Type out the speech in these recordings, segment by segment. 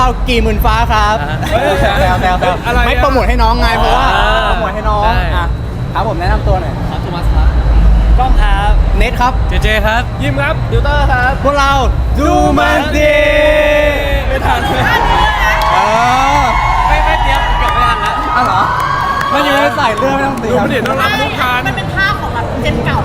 เรากี่หมื่นฟ้าครับแซวไม่โปรโมทให้น้องไงเพราะว่าโปรโมทให้น้องอ่ะครับผมแนะนำตัวหน่อยครับโทมัสครับกล้องครับเน็ตครับเจครับยิมครับดิวเตอร์ครับพวกเราดูมันดีไม่ทันไม่เตรียมเกือบไม่ทันแล้วอ้าวเหรอมันยังไม่ใส่เรื่องไม่ต้องเตรียมเดี๋ยวต้องรับลูกค้ามันเป็นภาพของแบบเจนเก่า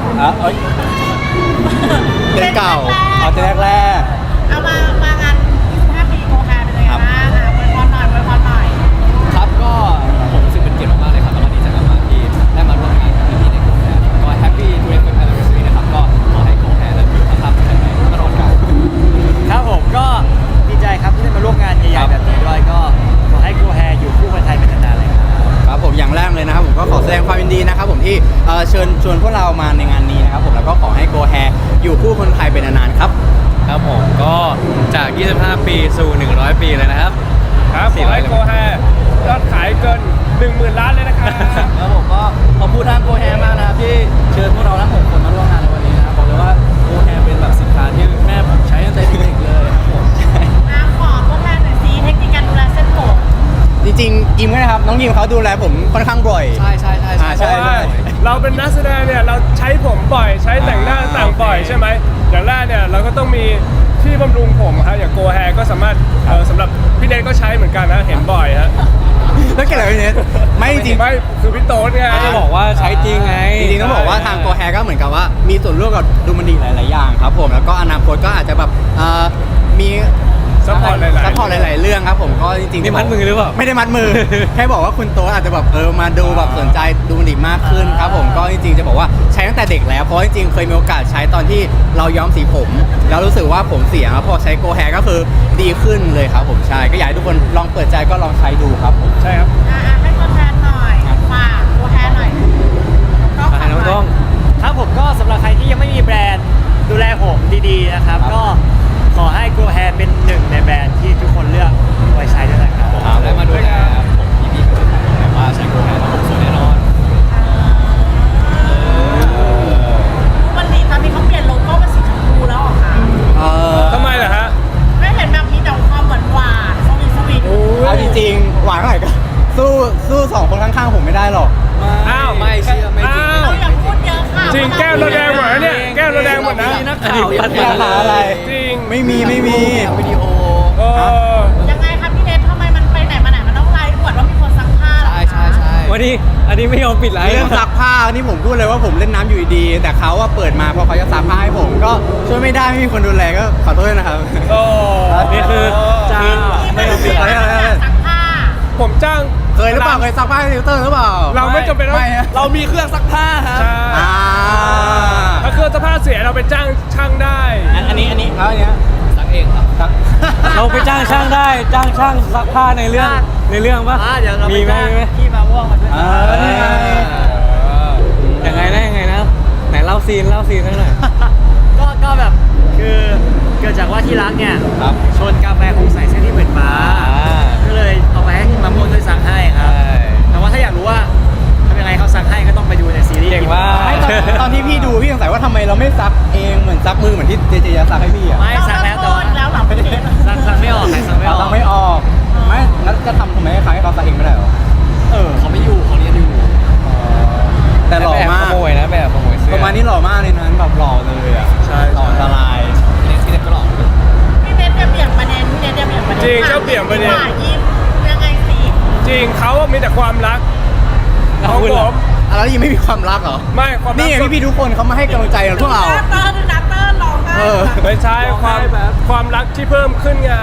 เจนเก่าเอาเจนแรกเอามางาน25 ปีโคแคร์เป็นยังไงบ้างอวยพรหน่อยครับก็ผมรู้สึกเป็นเกียรติมากๆเลยครับแล้วก็ดีใจมากๆที่ได้มาร่วมงานกับพี่ๆในโคแคร์ก็แฮปปี้25 anniversary นะครับก็ขอให้โคแคร์และอยู่ข้างๆแข็งแรงตลอดกาลครับผมก็ดีใจครับที่ได้มาร่วมงานใหญ่ๆแบบนี้ด้วยก็ขอให้โกแฮอยู่คู่คนไทยเป็นนานๆเลยครับครับผมอย่างแรกเลยนะครับผมก็ขอแสดงความยินดีนะครับผมที่เชิญชวนพวกเรามาในงานนี้นะครับผมแล้วก็ขอให้โกแฮอยู่คู่คนไทยเป็นนานๆครับครับผมก็จาก25 ปีสู่100 ปีเลยนะครับครับขอให้โกแฮยอดขายเกิน 10,000 ล้านเลยนะครับครับผมก็ขอบคุณทางโกแฮมากนะครับที่เชิญพวกเราทั้ง6คนมาร่วมงานในวันนี้นะครับบอกเลยว่าโกแฮเป็นแบบสินค้าที่แม่ผมใช้ตั้งแต่เด็กๆเลยครับผมขอตัวแทนหน่อยสิเทคนิคการดูแลเส้นผมจริงๆยิมก็นะครับน้องยิมเขาดูแลผมค่อนข้างบ่อยใช่เราเป็นนักแสดงเนี่ยเราใช้ผมบ่อยใช้แต่งหน้าต่างบ่อยใช่ไหมอย่างแรกเนี่ยเราก็ต้องมีที่บำรุงผมครับอย่างโกแฮก็สามารถสำหรับพี่เนทก็ใช้เหมือนกันนะเห็นบ่อยฮะแล้วเกี่ยวกับพี่เนทไม่จริงไม่คือพี่โต๊ดไงจะบอกว่าใช้จริงไงจริงๆต้องบอกว่าทางโกแฮก็เหมือนกับว่ามีส่วนร่วมกับดูมันดีหลายๆอย่างครับผมแล้วก็อนาคตก็อาจจะแบบมีซัพพอร์ตหลายๆเรื่องครับผมก็จริงๆนี่มัดมือหรือเปล่าไม่ได้มัดมือ แค่บอกว่าคุณโตอาจจะแบบมาดูแบบสนใจดูมันดีมากขึ้นครับผมก็จริงๆจะบอกว่าใช้ตั้งแต่เด็กแล้วเพราะจริงๆเคยมีโอกาสใช้ตอนที่เราย้อมสีผมแล้วรู้สึกว่าผมเสียพอใช้โกแฮก็คือดีขึ้นเลยครับผมใช่ก็อยากให้ทุกคนลองเปิดใจก็ลองใช้ดูครับผมใช่ครับให้ตัวแทนหน่อยฝากโกแฮหน่อยน้องต้องครับผมก็สำหรับใครที่ยังไม่มีแบรนด์ดูแลผมดีๆนะครับก็ขอให้โกแฮเป็นหนึ่งในแบรนด์ที่ทุกคนเลือกไว้ใช้ด้วยนะครับได้มาดูแลผมพี่ๆก็จะแต่ว่าใช้โกแฮแล้วผมสวยแน่นอนวันนี้ตอนนี้เขาเปลี่ยนโลโก้เป็นสีชมพูแล้วเหรอคะทำไมล่ะฮะไม่เห็นแบบมีแต่ความหวานสวีทเอาจริงๆหวานเท่าไหร่ก็สู้สองคนข้างๆผมไม่ได้หรอกไม่เชื่อไม่จริงเราอย่าพูดเยอะค่ะจริงแก้วเราแดงหมดนะเนี่ยแก้วเราแดงหมดนะนักข่าวยัดมาอะไรจริงไม่มีวิดีโอยังไงครับพี่เนททำไมมันไปไหนมาไหนมันต้องไลฟ์อวดว่ามีคนซักผ้าใช่วันนี้อันนี้ไม่ยอมปิดไลฟ์เรื่องซักผ้านี่ผมพูดเลยว่าผมเล่นน้ำอยู่ดีแต่เขาว่าเปิดมาพอเขาจะซักผ้าให้ผมก็ช่วยไม่ได้ไม่มีคนดูแลก็ขอโทษนะครับนี่คือจ้าไม่ยอมปิดไลฟ์ซักผ้าผมจ้างเคยหรือเปล่าเคยซักผ้าให้ติวเตอร์หรือเปล่าเราไม่จำเป็นต้องเรามีเครื่องซักผ้าครับถ้าเครื่องซักผ้าเสียเราไปจ้างช่างได้อันนี้แล้วอันเนี้ยซักเองครับเราไปจ้างช่างได้จ้างช่างซักผ้าในเรื่องป่ะเดี๋ยวเรามีไหมที่มาม่วงมาด้วยยังไงนะไหนเล่าซีนให้หน่อยก็แบบคือเกิดจากว่าที่รักเนี่ยชนกาแฟคงใส่เส้นที่เหมือนฟ้าก็เลยเอาไปให้ที่มาม่วงด้วยสั่งให้ครับแต่ว่าถ้าอยากรู้ว่าทำยังไงเขาสั่งให้ก็ต้องไปดูในซีรีส์เก่งว่าตอนที่พี่ดูพี่สงสัยว่าทำไมเราไม่ซักเองเหมือนซักมือเหมือนที่เจจะซักให้พี่อ่ะไม่ซักแล้วแต่ว่าแล้วหลับไม่ได้ซักไม่ออกซักไม่ออกไม่งั้นจะทำไมให้เขาซักเองไม่ได้หรอเขาไม่อยู่เขาเรียนอยู่แต่หล่อมากขโมยนะแบบขโมยเสื้อประมาณนี้หล่อมากเลยนะแบบหล่อเลยอ่ะใช่หล่ออันตรายพี่เน็ตก็หล่อพี่เนทจะเบี่ยงประเด็นจริงเขาเบี่ยงประเด็นยิ้มยังไงสิจริงเขามีแต่ความรักของผมแล้วยังไม่มีความรักเหรอไม่ความรักนี่พี่ทุกคนเขามาให้กำลังใจพวกเราเตอร์ร้องได้ไม่ใช่ความรักที่เพิ่มขึ้นไง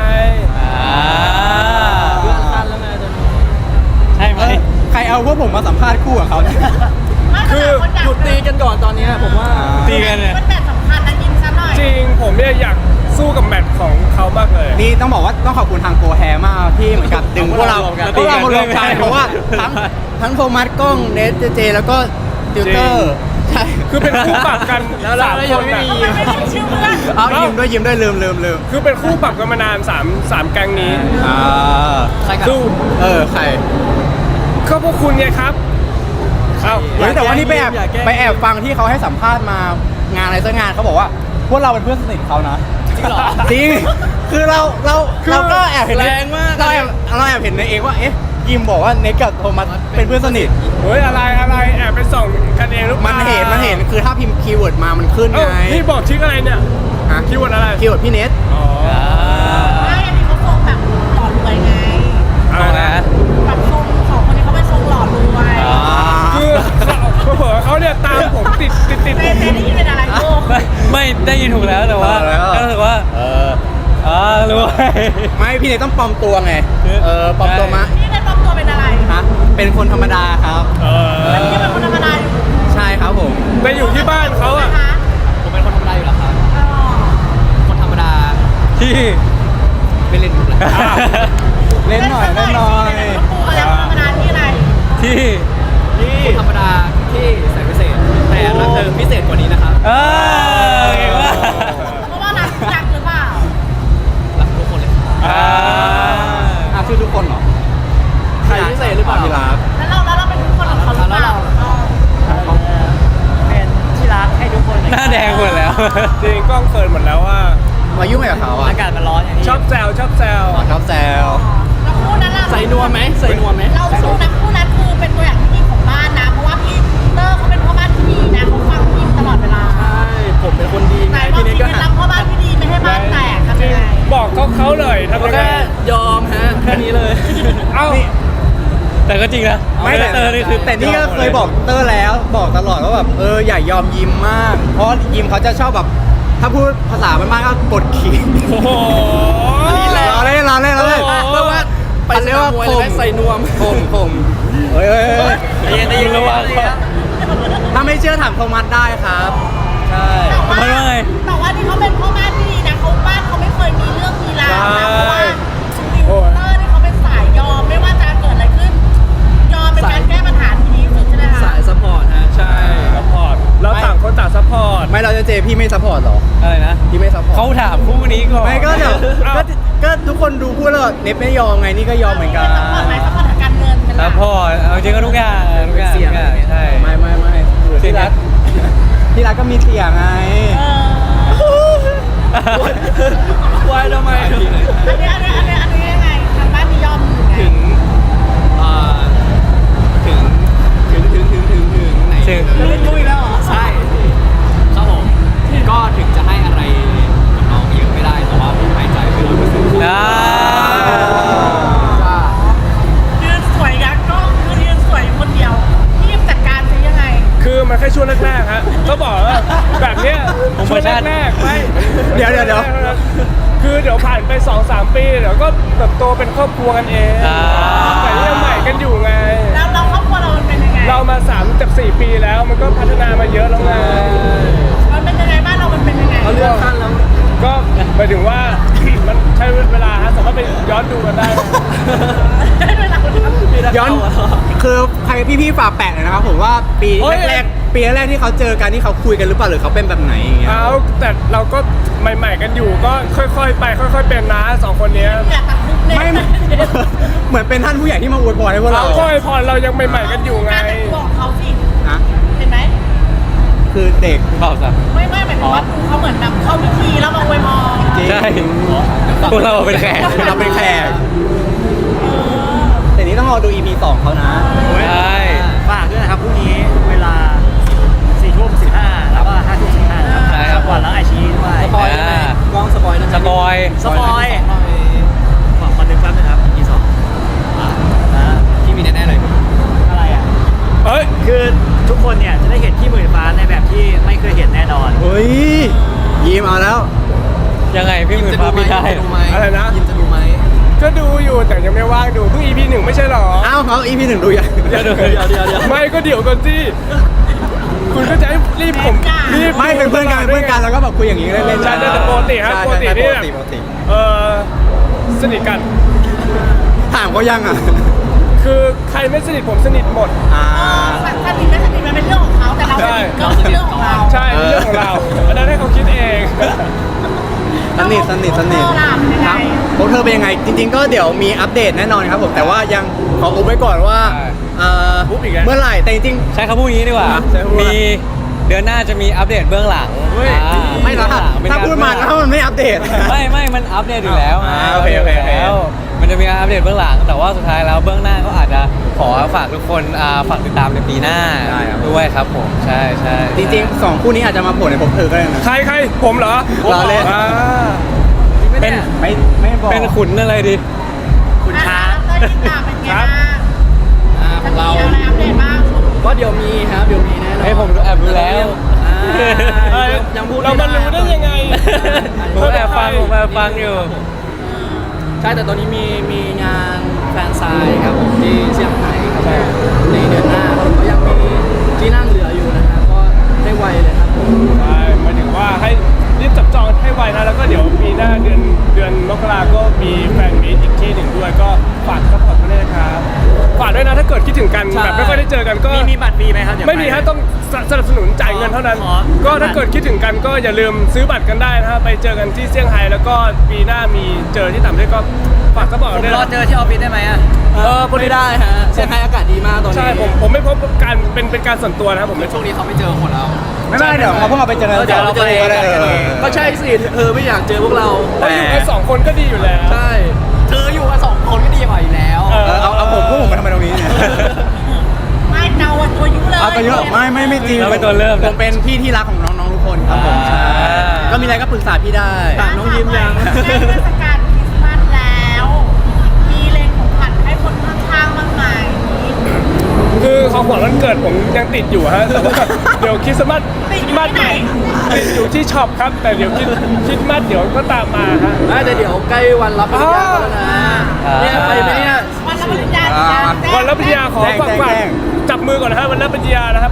เรื่องสั้นแล้วไงตอนนี้ใช่ไหมใครเอาพวกผมมาสัมภาษณ์คู่กับเขาคือหยุดตีกันก่อนตอนนี้ผมว่าตีกันเนี่ยมันแบบสำคัญนะยิ้มซะหน่อยจริงผมเนี่ยอยากสู้กับแมตช์ของเขามากเลยนี่ต้องบอกว่าต้องขอบคุณทางโกแฮมากที่เหมือนกับดึงพวกเรามารวมกันเพราะว่าทั้งโทมัสกล้องเนทเจแล้วก็ติวเตอร์ใช่คือเป็นคู่ปรับกันแล้ว 3 คนไม่ได้ชื่อเพื่อนเอายิ้มด้วยลืมคือเป็นคู่ปรับกันมานาน3แก๊งนี้ใครสู้ใครก็พวกคุณไงครับแต่ว่านี่ไปแอบฟังที่เขาให้สัมภาษณ์มางานอะไรสักงานเขาบอกว่าพวกเราเป็นเพื่อนสนิทเขานะจริงเหรอจริงคือเราก็แอบเห็นแรงมากเราแอบเห็นในเองว่าเอ๊ะยิมบอกว่าเน็กกับโทมัสเป็นเพื่อนสนิทเฮ้ยอะไรแอบไปส่องกันเองหรือเปมัล่ามันเห็นคือถ้าพิมพ์คีย์เวิร์ดมามันขึ้นเอ้าไงนี่บอกชื่ออะไรเนี่ยฮะคีย์เวิร์ดอะไรคีย์เวิร์ดพี่เน็ตอ๋อไม่อันนี้เขาทรงแบบหล่อรวยไงอะไรนะแบบทรงของคนนี้เขาเป็นทรงหล่อรวยคือเผลอเขาเนี่ยตามผมติดเต้ได้ยินเป็นอะไรลูกไม่ได้ยินถูกแล้วแต่ว่าก็รู้สึกว่ารู้ไหมไม่พี่เน็ตต้องปลอมตัวไงปลอมตัวมาพี่ได้ปลอมตัวเป็นอะไรฮะเป็นคนธรรมดาครับแล้วพี่เป็นคนธรรมดาอยู่ใช่ครับผมไปอยู่ที่บ้านเขาอะนะคะผมเป็นคนธรรมดาอยู่แล้วครับอ๋อคนธรรมดา ที่ ไม่เล่นมุกแล้วเล่นหน่อยแล้วปูอะไรธรรมดาที่อะไรที่คนธรรมดาที่ใส่พิเศษ แต่รักเธอพิเศษกว่านี้นะครับเก่งมากเพราะว่ารักหรือเปล่ารักทุกคนเลยครับชื่อทุกคนเหรอใครพิเศษหรือเปล่าพี่รักแล้วเราเป็นทุกคนของเขาหรือเปล่าเป็นที่รักให้ทุกคนหน้าแดงหมดแล้วจริงกล้องเฟิร์นหมดแล้วว่ามายุ่งอะไรกับเขาอ่ะอากาศมันร้อนอย่างนี้ชอบแซวชอบแซวแล้วคู่นั้นล่ะใส่นวมไหมใส่นวมไหมเราคู่นั้นคือเป็นตัวอย่างที่ดีของบ้านนะ เพราะว่าพี่เตอร์เขาเป็นพ่อบ้านที่ดีนะเขาฟังพี่ตลอดเวลาใช่ผมเป็นคนดีไหนไงบอกพี่ชีเน็ตวิก็ตหัรับพ่อบ้านที่ดีไม่ให้บ้านแตกทำยังไงบอกเขาเลยทำยังไงแค่ยอมฮะแค่นี้เลยเอ้าแต่ก็จริงนะไม่เตอร์นี่คือแต่นี่ก็เคยบอกเตอร์แล้วบอกตลอดว่าแบบอย่ายอมยิ้มมาก เพราะยิมเขาจะชอบแบบถ้าพูดภาษาบ้านๆก็กดขี่โอ้โหเราเล่นเพราะว่าไปสนามมวยเลยไหมใส่นวมผมเฮ้ยได้ยินระวังถ้าไม่เชื่อถามโทมัสได้ครับ ใช่แต่ว่าที่เขาเป็นพ่อบ้านที่ดีนะเขาบ้านเขาไม่เคยมีเรื่องมีราวนะเพราะว่าดิวเตอร์นี่เขาเป็นสายยอมไม่ว่าจะเกิดอะไรขึ้น ยอมเป็นการแก้ปัญหาที่ดีที่สุดใช่ไหมคะสายซัพพอร์ตฮะใช่ซัพพอร์ตเราต่างคนต่างซัพพอร์ตไม่เราจะเจพี่ไม่ซัพพอร์ตหรออะไรนะพี่ไม่ซัพพอร์ตเขาถามคู่นี้ก่อนไม่ก็เดี๋ยวเอ้าก็ทุกคนดูพูดแล้วเน็ตไม่ยอมไงนี่ก็ยอมเหมือนกันซัพพอร์ตไหมซัพพอร์ตทางการเงินเป็นหซัลัพกพอร์ตเอาจริงก็ทุกอย่างใช่ไม่ที่รักที่รักก็มีเสียงไงวายทำไมอันนี้ยังไงทางบ้านมียอมอยู่ไงถึงไหนถึงเล่นมุ้ยแล้วเหรอใช่ครับผมก็ถึงจะให้อะไรกับน้องเยอะไม่ได้แต่ว่าผมหายใจไป100% ยืนสวยยักษ์ก็คือยืนสวยคนเดียวพี่จัดการซิยังไงคือมันแค่ช่วงแรกๆฮะก็บอกว่าแบบเนี้ยช่วงแรกๆไม่เดี๋ยวคือเดี๋ยวผ่านไป 2-3 ปีเดี๋ยวก็เติบโตเป็นครอบครัวกันเองแต่นี่ยังใหม่กันอยู่ไงแล้วเราครอบครัวเรามันเป็นยังไงเรามา3-4 ปีแล้วมันก็พัฒนามาเยอะแล้วไงมันเป็นยังไงบ้านเรามันเป็นยังไงเขาเลื่อนขั้นแล้วก็หมายถึงว่า มันใช้เวลาฮะสามารถไปย้อนดูกันได้นะเวลาย้อนคือใครพี่ๆฝากแปะหน่อยนะครับผมว่าปีแรกที่เขาเจอกันที่เขาคุยกันหรือเปล่าหรือเขาเป็นแบบไหนอย่างเงี้ยเอาแต่เราก็ใหม่ๆกันอยู่ก็ค่อยๆไปค่อยๆเป็นนะ2 คนเนี้ยอยากตัดคุกเนี่ยไม่เหมือนเป็นท่านผู้ใหญ่ที่มาอวยพรให้พวกเราค่อยพอเรายังใหม่ๆกันอยู่ไงการแต่งตัวของเขาสิฮะเห็นไหมคือเด็กเปล่าสักไม่หมายถึงว่าเขาเหมือนแบบเข้าพิธีแล้วมาอวยพรจริงใช่พวกเราเป็นแขกเราเป็นแขกแต่นี้ต้องรอดู EP 2เขานะใช่ฝากด้วยนะครับพรุ่งนี้เวลา4:15แล้วก็5:15นะครับใช่ครับก่อนแล้วไอชีด้วยสปอยได้ไหมลองสปอยได้ไหมสปอยขอนึงแป๊บนึงครับ EP 2 ที่มีแน่ๆเลยอะไรอ่ะเอ้ยคือทุกคนเนี่ยจะได้เห็นที่หมื่นฟ้าในแบบที่ไม่เคยเห็นแน่นอนเฮ้ยยิ้มเอาแล้วยังไงพี่หมื่นฟ้าไม่ได้อะไรนะยิมจะดูไหมก็ดูอยู่แต่ยังไม่ว่างดูเพิ่ง EP 1ไม่ใช่หรออ้าวเขา EP 1ดูยังเดี๋ยวไม่ก็เดี๋ยวก่อนสิคุณก็จะให้รีบผมรีบไม่เป็นเพื่อนกันแล้วก็แบบคุยอย่างนี้เล่นๆใช่แต่ปกติฮะใช่ปกติใช่นี่ปกติสนิทกันถามเขายังอ่ะคือใครไม่สนิทผมสนิทหมดสนิทไม่สนิทมันเป็นเรื่องของเขาแต่เราสนิทก็เป็นเรื่องของเราใช่เป็นเรื่องของเราอันนั้นให้เขาคิดเองสนิทครับพวกเธอเป็นยังไง จริง ๆ ก็เดี๋ยวมีอัปเดตแน่นอนครับผมแต่ว่ายังขออุบไว้ก่อนว่าใช่เมื่อไหร่แต่จริงใช้คำพูดนี้ดีกว่าใช้คำพูดว่ามีเดือนหน้าจะมีอัปเดตเบื้องหลังไม่หรอกครับเป็นถ้าพูดมาแล้วมันไม่อัปเดตไม่มันอัปเดตอยู่แล้วโอเคโอเคโอเคแล้วมันจะมีการอัปเดตเบื้องหลัง แต่ว่าสุดท้ายแล้วเบื้องหน้าก็อาจจะขอฝากทุกคนฝากติดตามในปีหน้าได้ครับด้วยครับผมใช่ใช่จริงๆ2คู่นี้อาจจะมาโผล่ในผมเธอก็ได้นะใครผมเหรอเราเล่นอ่าเป็นไม่บอกเป็นขุนอะไรดีคุณช้างเต้ยที่ตามเป็นไงบ้างขจะองมีเราอะไรอัปเดตบ้างก็เดี๋ยวมีครับเดี๋ยวมีแน่นอนให้ผมแอบดูแล้วเอ้ยเรามารู้ได้ยังไงผมแอบฟังอยู่ใช่แต่ตอนนี้มีงานแฟนไซน์ครับผมที่เซี่ยงไฮ้ครับผมในเดือนหน้าครับผมก็ยังมีที่นั่งเหลืออยู่นะครับก็ให้ไวเลยครับผมใช่หมายถึงว่าให้รีบจับจองให้ไวนะแล้วก็เดี๋ยวปีหน้าเดือนมกราก็มีแฟนมีตอีกที่หนึ่งด้วยก็ฝากซัพพอร์ตมาด้วยนะครับฝากด้วยนะถ้าเกิดคิดถึงกันแบบไม่ค่อยได้เจอกันก็มีบัตรฟรีไหมครับเดี๋ยวไม่มีฮะต้องสนับสนุนจ่ายเงินเท่านั้นอ๋อก็ถ้าเกิดคิดถึงกันก็อย่าลืมซื้อบัตรกันได้นะฮะไปเจอกันที่เซี่ยงไฮ้แล้วก็ปีหน้ามีเจอที่ต่างประเทศก็ฝากซัพพอร์ตผมด้วยรอนะเจอที่ออฟฟิศได้ไหมอ่ะพูดได้ฮะเซี่ยงไฮ้อากาศดีมากตอนนี้ใช่ผมไม่พบการเป็นการส่วนตัวนะครับผมไม่ช่วงนี้เขาไม่เจอคนเราไม่เป็นไรเดี๋ยวเราพวกเราไปเจอกันเดี๋ยวเราไปก็ได้ก็ใช่สิไม่อยากเจอพวกเราเราอยู่กันสองคนก็ดีอยู่แล้วใช่เธออยู่กัน2 คนก็ดีกว่าอยู่แล้วเอาผมมาทำไมตรงนี้เนี่ยไม่เตาตัวยุเลยเอาตัวเยอะไม่จริงเราเป็นตัวเริ่มผมเป็นพี่ที่รักของน้องๆทุกคนครับผมใช่ก็มีอะไรก็ปรึกษาพี่ได้น้องยิ้มยังใกล้เทศกาลคริสต์มาสแล้ว มีเลงของขวัญให้คนข้างๆบ้างไหมคือของขวัญวันเกิดผมยังติดอยู่ฮะแต่ว่าเดี๋ยวคริสต์มาสติดอยู่ที่ไหนติดอยู่ที่ช็อปครับ แต่เดี๋ยวคริสต์มาสเดี๋ยวก็ตามมาฮะแต่เดี๋ยวใกล้วันรับปริญญาแล้วนะเนี่ยไปไหมเนี่ยวันรับปริญญาวันรับปริญญาขอฝากจับมือก่อนนะฮะวันรับปริญญานะครับ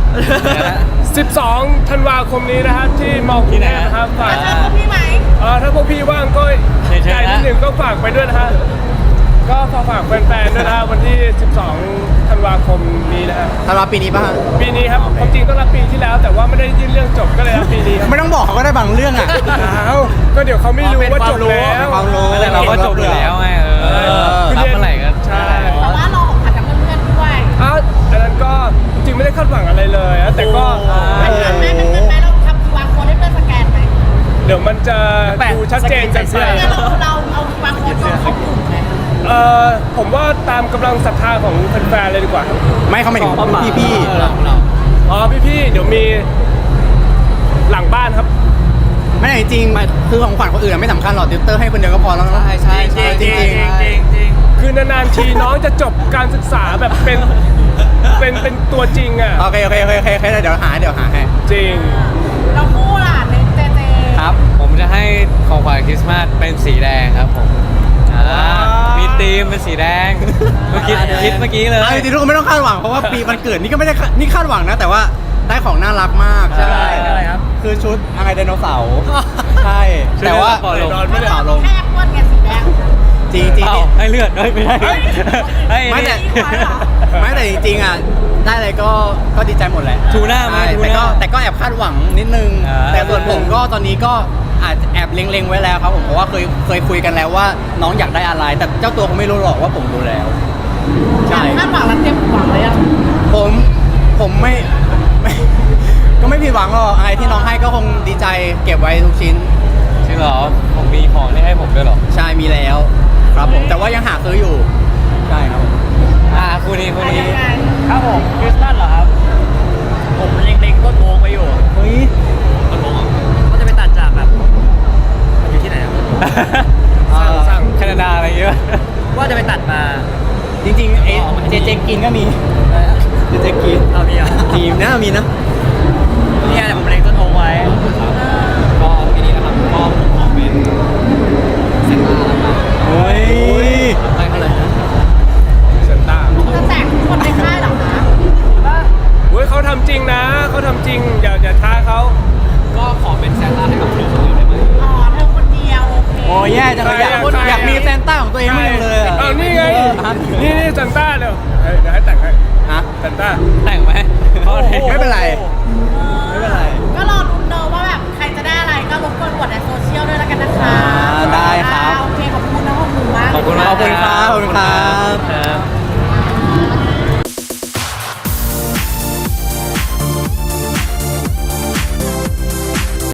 12 ธันวาคมนี้นะครับที่มอกรุงเทพนะครับฝากจะเจอพวกพี่ไหมถ้าพวกพี่ว่างก็ใจนิดหนึ่งก็ฝากไปด้วยนะฮะก็ฝากแฟนๆด้วยนะฮะวันที่ 12 ธันวาคมนี้นะฮะธันวาปีนี้ป่ะฮะปีนี้ครับความจริงต้องรับปีที่แล้ว แต่ว่าไม่ได้ยื่นเรื่องจบก็เลยรับปีนี้ครับไม่ต้องบอกเขาก็ได้บางเรื่องอ่ะอ้าวก็เดี๋ยวเขาไม่รู้ว่าจบแล้วความรู้แต่เราก็จบอยู่แล้วไงรับเมื่อไหร่ก็ใช่แต่ว่ารอของขวัญจากเพื่อนๆด้วยอ้าวอันนั้นก็จริงๆไม่ได้คาดหวังอะไรเลยอะแต่ก็เป็นเงินไหมเป็นเงินไหมเราทำ QR code ให้เพื่อนสแกนไหมเดี๋ยวมันจะดูชัดเจนกันไปเนี่ยเราเอา QR code เข้ากลุ่มไหมผมว่าตามกำลังศรัทธาของแฟนๆเลยดีกว่าไม่เขาไม่ถึงพี่อ๋อพี่ๆเดี๋ยวมีหลังบ้านครับๆไม่จริงๆคือของขวัญคนอื่นไม่สำคัญหรอกติวเตอร์ให้คนเดียวก็พอแล้วเนาะใช่จริงคือนานๆทีน้องจะจบการศึกษาแบบเป็นตัวจริงอ่ะโอเคเดี๋ยวหาให้จริงเราคู่ล่ะในเจเจครับ ผมจะให้ของขวัญคริสต์มาสเป็นสีแดงครับผมมีธีมเป็นสีแดงเมื่อกี้คิดเมื่อกี้เลยเอาจริงๆทุกคนไม่ต้องคาดหวังเพราะว่าปีมันเกิดนี่ก็ไม่ได้นี่คาดหวังนะ แต่ว่าได้ของน่ารักมากใช่อะไรครับคือชุดอะไรไดโนเสาร์ใช่ แต่ว่าปล่อยลงเปล่าลงแค่อ้วนไงสีแดงจริงเอ้าให้เลือดไม่ได้ให้ไม่แต่นี่ไว้เหรอไม่แต่จริงๆอ่ะได้อะไรก็ดีใจหมดแหละทูน่าไหมใช่ทูแต่น่าก็แอบคาดหวังนิดนึง แต่ส่วนผมก็ตอนนี้ก็อาจจะแอบเล็งๆไว้แล้วครับผมเพราะว่าเคยคุยกันแล้วว่าน้องอยากได้อะไร แต่เจ้าตัวเขาไม่รู้หรอกว่าผมรู้แล้ว ใช่คาดหวังแล้วเต็มหวังเลยอ่ะผมไม่ ก็ไม่ผิดหวังหรอกอะไรที่น้องให้ก็คงดีใจเก็บไว้ทุกชิ้นจริงเหรอผมมีของที่ให้ผมด้วยเหรอใช่มีแล้ว ครับผมแต่ว่ายังหาซื้ออยู่ใช่ครับผมคู่นี้ยังไงครับผมคริสต์มาสเหรอครับ ผมเล็งๆต้นโมงไว้อยู่เฮ้ยก็จะไปตัดจากแบบอยู่ที่ไหนครับสั่งแคนาดาอะไรเงี้ยว่าจะไปตัดมาจริงๆเจกินก็มีเจกินเอามีอ่ะทีมนะมีนะเนี่ยเดี๋ยวผมเล็งต้นโมงไว้ก็ปีนี้นะครับก็ผมขอเป็นเซนต้าแล้วกันเฮ้ยให้เขาเลยนะเซนต้าจะแตกทุกคนในค่ายเหรอคะเฮ้ยเขาทำจริงนะเขาทำจริงอย่าท้าเขาก็ขอเป็นเซนต้าให้กับเธอคนเดียวได้ไหมอ๋อเธอคนเดียวโอเคโอ้ยแย่จังเลยอยากมีแซนต้าของตัวเองมากเลยอะเอานี่ไงฮะนี่เซนต้าเดี๋ยวให้แต่งให้ฮะเซนต้าแต่งไหมไม่เป็นไรโอ้โห